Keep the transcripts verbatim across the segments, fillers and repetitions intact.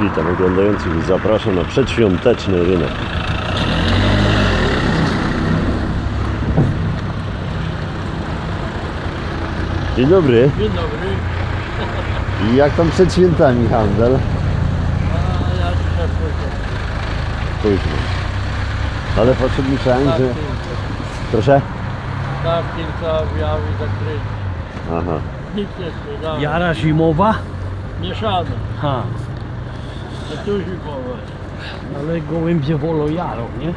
Witam oglądających i zapraszam na przedświąteczny rynek. Dzień dobry. Dzień dobry. I jak tam przed świętami handel? A ja dzisiaj pójdę. Późno. Ale potrzeb myślałem, Tak, że... kilka. Proszę? Tak, kilka objawy zakryć. Aha. Nic nie sprzedałem. Jara zimowa? Mieszane. Ha, To tu zimowe. ale gołębie wolą jarą, nie?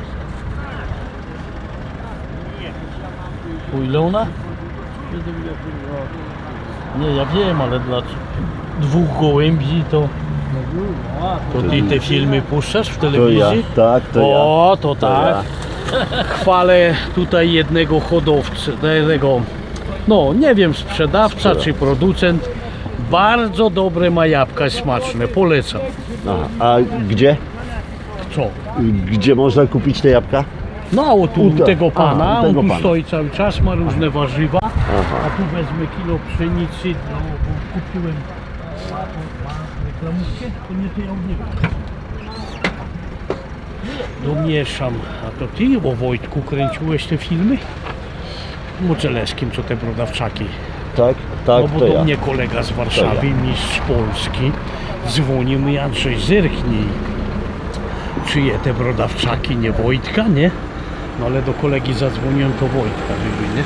Po ile ona? siedemdziesiąt złotych. Nie, ja wiem, ale dla dwóch gołębi to... No dużo. A, To ty te filmy puszczasz w To ja. telewizji? Tak, to ja. O, to To tak. Chwalę tutaj jednego hodowcę, tego, no nie wiem, sprzedawca czy producent. Bardzo dobre ma jabłka, smaczne, polecam. Aha. A gdzie? Co? Gdzie można kupić te jabłka? No, o tu U te- tego pana, a, u tego on tu pana. stoi cały czas, ma różne warzywa. A Aha. tu wezmę kilo pszenicy, no bo kupiłem reklamówkę, to nie to ja od niego. Domieszam. A to ty, o Wojtku, kręciłeś te filmy? Moceleskim, co te brodawczaki. Tak, tak, No bo to do ja. mnie kolega z Warszawy, mistrz Polski, dzwonił mi, Andrzej, zerknij, czyje te brodawczaki, nie Wojtka, nie? No ale do kolegi zadzwoniłem, to Wojtka żeby, nie?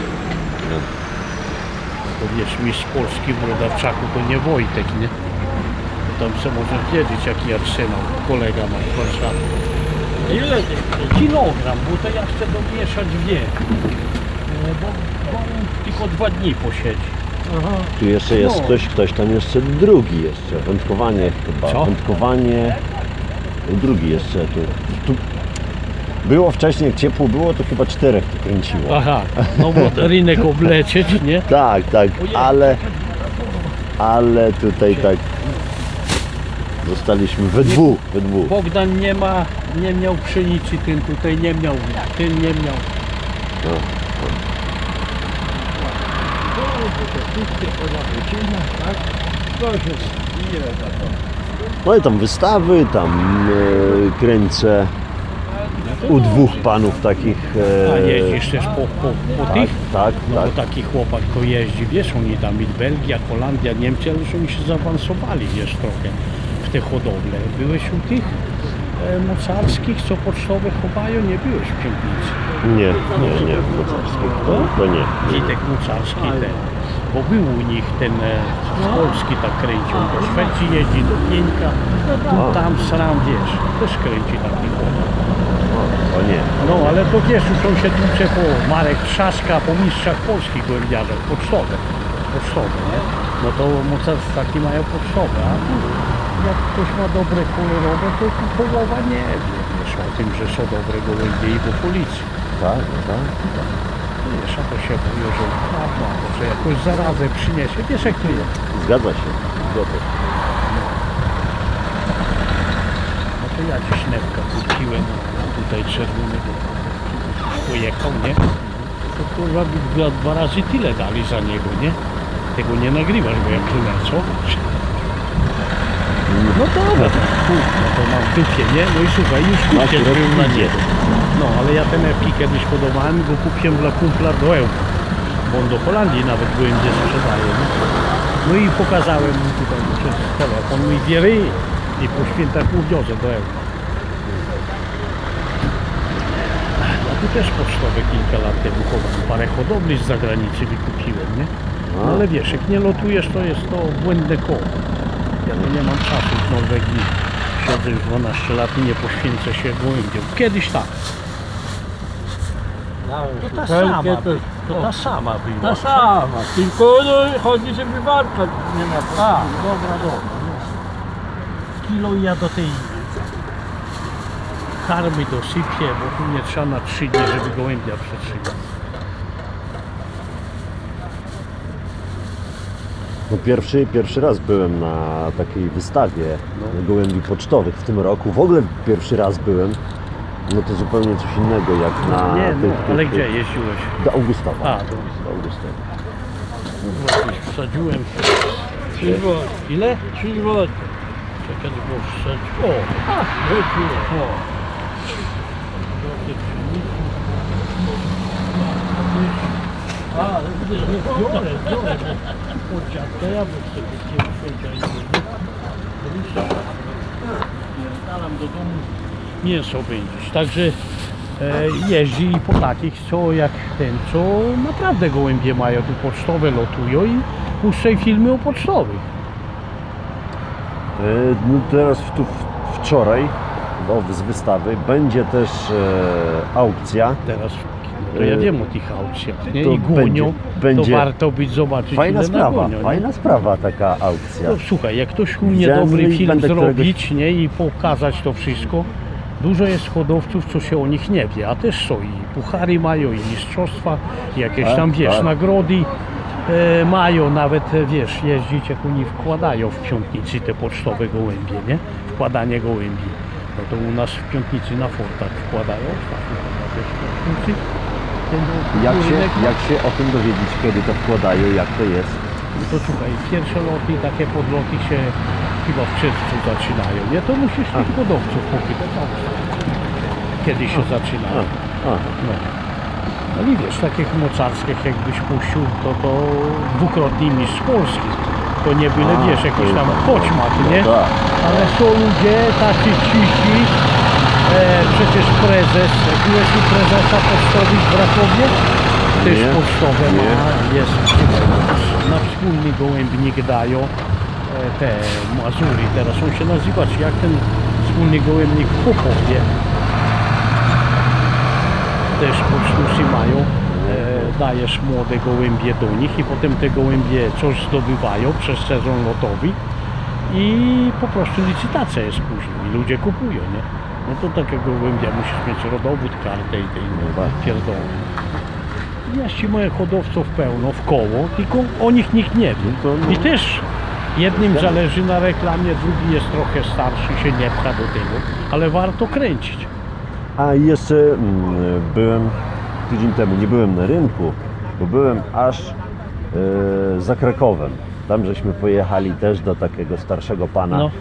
To wiesz, mistrz Polski w brodawczaku to nie Wojtek, nie? To tam se możesz wiedzieć, jaki arsenał kolega ma w Warszawie. ile tych? Kilogram, bo to ja chcę domieszać wie. E, Bo, bo on tylko dwa dni posiedzi. Aha. Tu jeszcze jest No. ktoś, ktoś tam jeszcze drugi jeszcze. Wędkowanie chyba. Co? Wędkowanie. Drugi jeszcze tu. tu. Było wcześniej, jak ciepło było, to chyba czterech to kręciło. Aha, no bo rynek oblecieć, nie? Tak, tak, ale. Ale tutaj tak. Zostaliśmy we dwóch, we dwóch. Bogdan nie ma, nie miał pszenicy, ten tutaj nie miał, ten nie miał. No. Tak? Proszę, ile za to? No i tam wystawy, tam e, kręcę u dwóch panów takich. E, A jeździsz też po, po, po tak, tych? tak, No tak. bo taki chłopak to jeździ, wiesz, oni tam i Belgia, Holandia, Niemcy, ale już oni się zaawansowali, wiesz, trochę w te hodowle. Byłeś u tych e, mocarskich, co pocztowe chowają? Nie byłeś w Piątnicy. Nie, nie, nie, w mocarskich. To, to nie. Witek Mocarski ten, bo był u nich ten e, z Polski tak kręcił, do Szwecji jeździ, do Pieńka, tu, tam, sram, wiesz, też kręci taki chłopak. To nie. No ale to wiesz, już on się tłucze po Marek Trzaska, po mistrzach polskich gołębiarzach, pocztowe, pocztowe, nie? No to mocarstwaki mają pocztowe, a tu jak ktoś ma dobre kolorowe, to tu połowa nie wie, wiesz, o tym, że są dobre gołębie i po policji. Tak, tak, tak. Wiesz, a to się mówi, że prawda, że jakąś zarazę przyniesie, wiesz jak to jest. Zgadza się. Zgadza się. No to ja dziś newka kupiłem, tutaj czerwonego pojechał, nie? To kurwa by dwa, dwa razy tyle dali za niego, nie? Tego nie nagrywasz, bo jak tu co? No dobra, to, kurwa, to mam w dupie, nie? No i słuchaj, już kupię Akurat był na idzie. niego. No, ale ja ten epki kiedyś hodowałem i go kupiłem dla kumpla do Ełku. Bo on do Holandii nawet byłem, gdzie sprzedaje, nie? No i pokazałem mu tutaj przez telefon, mój wiery i po świętach mu wiozę do Ełku. A tu też pocztowe kilka lat temu chowałem. Parę hodowli z zagranicy wykupiłem, nie? No, ale wiesz, jak nie lotujesz, to jest to błędne koło. Ja no nie mam czasu w Norwegii. Siedzę już dwanaście lat i nie poświęcę się gołębiom. Kiedyś tak. To ta sama, to, to ta sama była. ta sama, tylko no, chodzi, żeby warka nie ma. A, dobra, dobra. Kilo ja do tej karmy dosypię, bo tu nie trzeba na trzy dni, żeby gołębia przetrzymać. No pierwszy, pierwszy raz byłem na takiej wystawie No. gołębi pocztowych w tym roku. W ogóle pierwszy raz byłem. No to zupełnie coś innego jak na Nie, no, tych, tych, ale tych, gdzie jeździłeś? Do Augustowa. A, do do Augustowa. Kurwa, coś wsadziłem. trzy złote. Ile? trzy złote. Czekaj, bo wszedł. O! A, wróciło. O! Drogie pszenicy. A, widzisz, nie Biorę, biorę. Od dziadka jabłek sobie chciałem święcia i pierdalam do domu mięso będziesz. Także e, jeździ i po takich, co jak ten, co naprawdę gołębie mają, tu pocztowe lotują i puszczaj filmy o pocztowych. E, No teraz tu w- wczoraj no, z wystawy będzie też e, aukcja. Teraz to ja wiem o tych aukcjach, nie? To I gonią, będzie- będzie to warto być zobaczyć, Fajna ile sprawa, nagonią, nie? fajna sprawa taka aukcja. No, słuchaj, jak ktoś umie Widziałem dobry i film będę zrobić, nie, i pokazać to wszystko, dużo jest hodowców, co się o nich nie wie, a też są i puchary mają, i mistrzostwa, i jakieś Tak, tam, wiesz, tak. nagrody e, mają, nawet, e, wiesz, jeździć, jak oni wkładają w Piątnicy te pocztowe gołębie, nie, wkładanie gołębi. No to u nas w Piątnicy na fortach wkładają, ostatnio chyba też w Piątnicy. Ten Jak się, rynek ma- jak się o tym dowiedzieć, kiedy to wkładają, jak to jest? No to słuchaj, pierwsze loty, takie podloty się chyba w czerwcu zaczynają, nie? To musisz tych hodowców popytać, a kiedy się zaczynają. A, No. No i wiesz, takich mocarskich jakbyś puścił, to to dwukrotny mistrz Polski. To nie byle, A, wiesz, jakiś to tam tak, koćmak, no nie? tak. Ale są ludzie tacy cichi, e, przecież prezes, byłeś u prezesa pocztowych w Rakowie? Też Nie. pocztowe ma, Nie. jest na wspólny gołębnik dają e, te Mazury, teraz on się nazywa, czy jak ten wspólny gołębnik w Popowie. Też pocztusy mają, e, dajesz młode gołębie do nich i potem te gołębie coś zdobywają przez sezon lotowy i po prostu licytacja jest później i ludzie kupują, nie? No to takiego gołębia musisz mieć rodowód, kartę i tej No tak. pierdoły. Jeździ moje hodowców pełno w koło, tylko o nich nikt nie wie. to no. I też jednym zależy na reklamie, drugi jest trochę starszy, się nie pcha do tego, ale warto kręcić. A jeszcze mm, byłem tydzień temu, nie byłem na rynku, bo byłem aż e, za Krakowem. Tam żeśmy pojechali też do takiego starszego pana, No.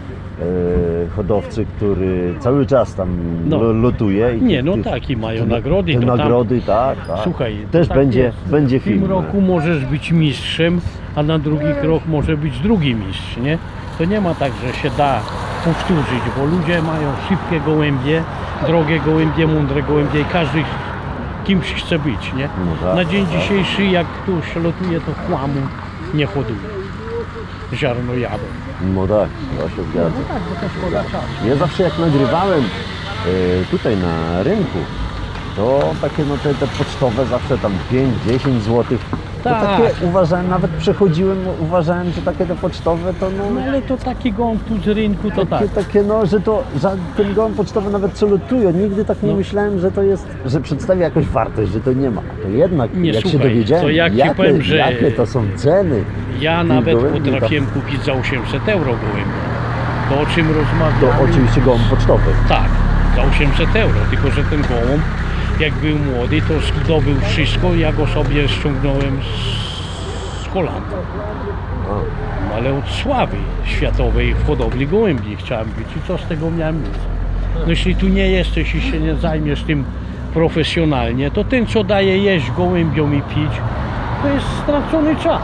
e, hodowcy, który cały czas tam No. lo- lotuje. I Nie, no tych- tak, i mają te- nagrody. Te to tam- nagrody, tak, tak. Słuchaj, też tak będzie, jest. będzie W film. tym roku możesz być mistrzem, a na drugi krok może być drugi mistrz, nie? To nie ma tak, że się da powtórzyć, bo ludzie mają szybkie gołębie, drogie gołębie, mądre gołębie i każdy kimś chce być, nie? No tak, Na dzień tak. dzisiejszy, jak ktoś lotuje, to chłamu nie hoduje. Ziarno jadą. No tak, to się zgadza. No tak, bo to szkoda czasu. Ja zawsze jak nagrywałem e, tutaj na rynku, to takie no te, te pocztowe zawsze tam pięć dziesięć złotych. To Tak. takie uważałem, nawet przechodziłem, uważałem, że takie te pocztowe to no, No ale to taki gąb tu z rynku, to tak. takie, takie no, że to że ten gołąb pocztowy nawet co lutuje, nigdy tak nie No. myślałem, że to jest, że przedstawia jakąś wartość, że to nie ma. To jednak Nie, jak się słuchaj, dowiedziałem, to jak ci jakie, powiem, że- jakie to są ceny, Ja tych nawet gołębi, potrafiłem kupić za osiemset euro gołębia. To o czym to rozmawiamy? oczywiście gołąb pocztowy. Tak, za osiemset euro, tylko że ten gołąb, jak był młody, to zdobył wszystko, ja go sobie ściągnąłem z, z Holandii. A. No, ale od sławy światowej w hodowli gołębi chciałem być i co z tego miałem mieć? No jeśli tu nie jesteś i się nie zajmiesz tym profesjonalnie, to ten, co daje jeść gołębiom i pić, to jest stracony czas.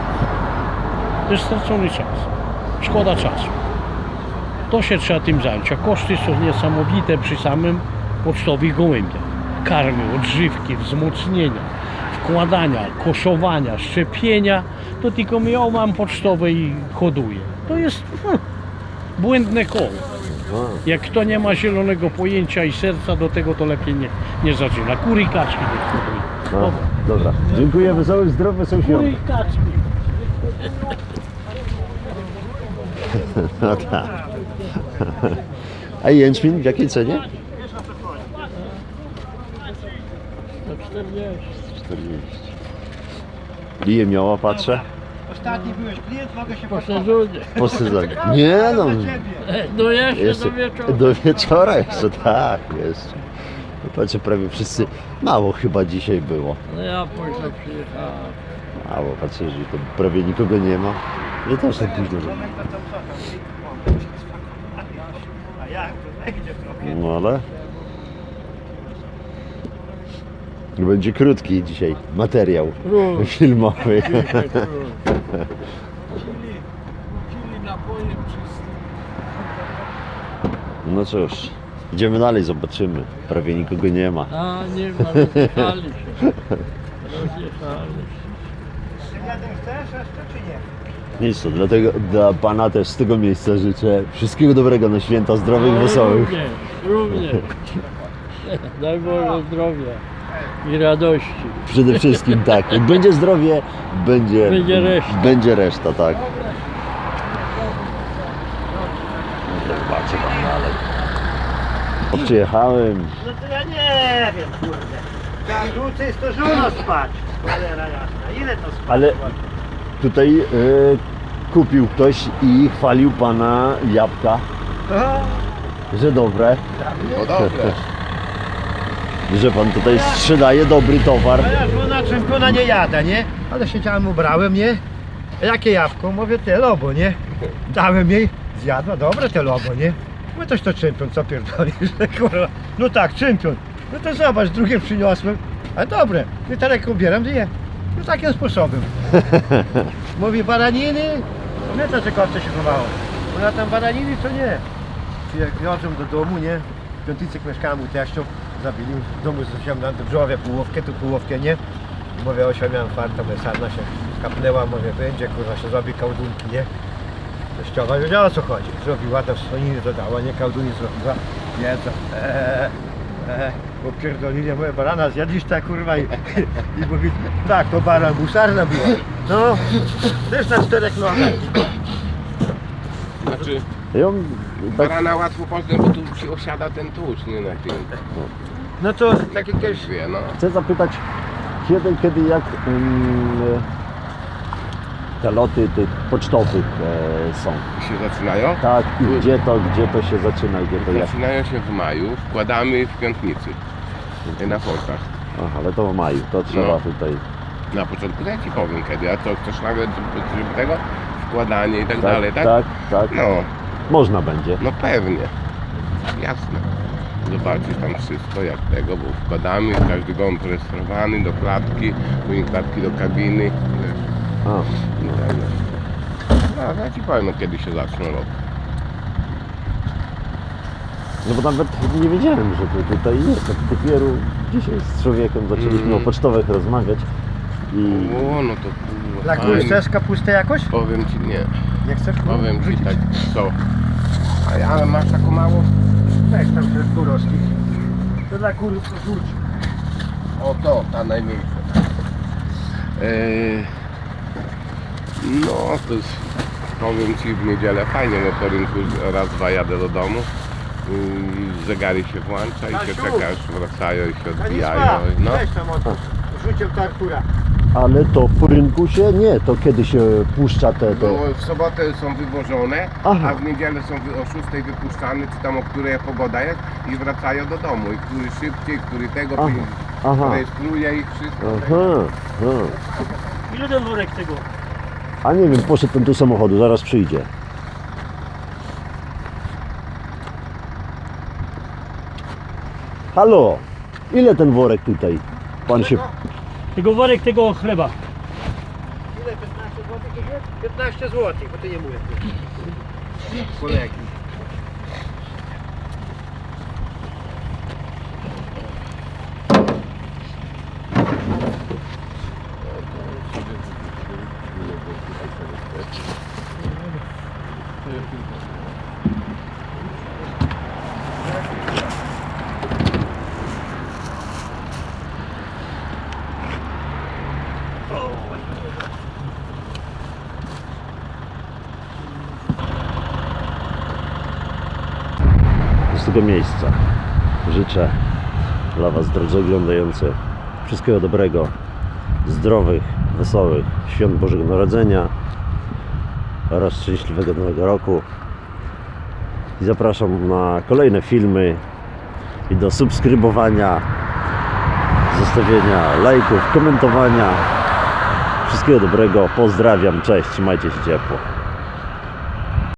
To jest stracony czas. Szkoda czasu. To się trzeba tym zająć, a koszty są niesamowite przy samym pocztowych gołębiach. Karmy, odżywki, wzmocnienia, wkładania, koszowania, szczepienia, to tylko ja mam pocztowe i hoduję. To jest hm, błędne koło. A. Jak kto nie ma zielonego pojęcia i serca do tego, to lepiej nie, nie zaczyna. Kury i kaczki też hoduje. A, Dobra. dobra, dziękuję, wesołych, zdrowych są Kury świąt. i kaczki. No tak. A jęczmień w jakiej cenie? Za czterdzieści. czterdzieści. Lije miała, patrzę. Ostatni byłeś klient, mogę się Po posłuchać. sezonie. Po sezonie. Nie no, Dla ciebie. No jeszcze, jeszcze do wieczoru. do wieczora jeszcze, tak, jeszcze. No patrzę, prawie wszyscy, mało chyba dzisiaj było. No ja późno przyjechałem. Mało, patrzę, że to prawie nikogo nie ma. Ja też tak późno, że... Moment, to co usłyszał. A jak to będzie trochę? No ale... Będzie krótki dzisiaj materiał Krótki. filmowy. Pili, pili napoje czyste. No cóż, idziemy dalej, zobaczymy. Prawie nikogo nie ma. A nie ma, rozjechali się. Rozjechali się. Jeden chcesz jeszcze czy nie? Nic to, dlatego dla Pana też z tego miejsca życzę wszystkiego dobrego na święta, zdrowych, No, wesołych. Również, również. Daj Boże zdrowia i radości. Przede wszystkim tak, jak będzie zdrowie, będzie, Będzie reszta. będzie reszta, tak. Zobaczę tam dalej. O, przyjechałem, No to ja nie wiem, kurde. Jak dłużej jest to żono spać. Cholera jasna, ile to spać? ale tutaj e, kupił ktoś i chwalił Pana jabłka, O, że dobre, No dobre. że Pan tutaj sprzedaje dobry towar. a ja żona czempiona nie jada, nie? Ale siedziałem, ubrałem, nie? A jakie jabłko? Mówię, te lobo, nie? Dałem jej, zjadła, dobre te lobo, nie? Mówię, toś to czempion, co pierdolisz, kurwa. No tak, czempion. No to zobacz, drugie przyniosłem. A dobre, i teraz jak ubieram, to je. No takim sposobem. Mówi, baraniny? Pamiętasz, że kowce się chowało? Ona tam baraniny, to nie. Czy jak wiozą do domu, nie? W Piątycek mieszkałem u teściu, zabili w domu, wziąłem na drzewie połówkę, tu połówkę, nie? Mówię, osia miałem farta, mówię, sarna się kapnęła, mówię, będzie, kurwa, się zrobi kałdunki, nie? Teściowa wiedziała, o co chodzi. Zrobiła, to słoniny dodała, nie? Kałduny zrobiła, jedzą. Eee, eee, bo pierdolili, mówię, barana zjadliś ta, kurwa, i, i mówi, tak, to baran, busarna była. No, też na czterech nogach. Znaczy, Ja, tak, barana łatwo poznać, bo tu się osiada ten tłuszcz, nie na tym. No to tak jak Ktoś wie, no. chcę zapytać, kiedy, kiedy jak um, te loty tych pocztowych e, są? Się zaczynają? Tak, i gdzie to, gdzie to się zaczyna, gdzie to jak? Zaczynają się w maju, wkładamy w piątnicy. Na portach. Aha, ale to w maju, to trzeba No. tutaj. Na początku ja ci powiem kiedy, a to chcesz nagle żeby tego wkładanie i tak, Tak, dalej, tak? tak, tak. No, Można będzie. no pewnie. Jasne. Zobaczysz tam wszystko jak tego, bo wkładamy, każdy gąb rejestrowany do klatki, później klatki do kabiny. Wiesz, A, i tak dalej. No, ja ci powiem kiedy się zaczną robić. no bo nawet nie wiedziałem, że to tutaj jest. Tak dopiero dzisiaj z człowiekiem zaczęliśmy Mhm. o pocztowych rozmawiać i O, no to kurwa, Dla fajnie. kur chcesz kapustę jakoś? Powiem ci nie. Nie chcesz? Powiem ci Wrzucić? tak, co? A ja, ale masz taką mało? Weź tam te kurowski. To dla kur rzuć. O to, ta najmniejsza. Eee, no to jest, powiem ci w niedzielę fajnie, bo po rynku raz, dwa jadę do domu. Yy, zegary się włącza i się Kasiu! czekasz, wracają i się odbijają. Stanisław, No. weź tam od rzucił to Artura. ale to po rynku się nie, to kiedy się puszcza te, te... Bo w sobotę są wywożone, Aha. a w niedzielę są wy- o szóstej wypuszczane, czy tam o której pogoda jest i wracają do domu. I który szybciej, który tego Aha, później aha. rejestruje ich wszystko. Aha, aha. Ile ten worek tego? A nie wiem, poszedł ten do samochodu, zaraz przyjdzie. Halo, ile ten worek tutaj? Pan się... Tego worek tego chleba. Ile? piętnaście złotych to jest? piętnaście złotych, bo ty nie mówię. Kolegi. Z tego miejsca życzę dla Was, drodzy oglądający, wszystkiego dobrego, zdrowych, wesołych świąt Bożego Narodzenia oraz szczęśliwego Nowego Roku. I zapraszam na kolejne filmy i do subskrybowania, zostawienia lajków, komentowania. Wszystkiego dobrego, pozdrawiam, cześć, trzymajcie się ciepło.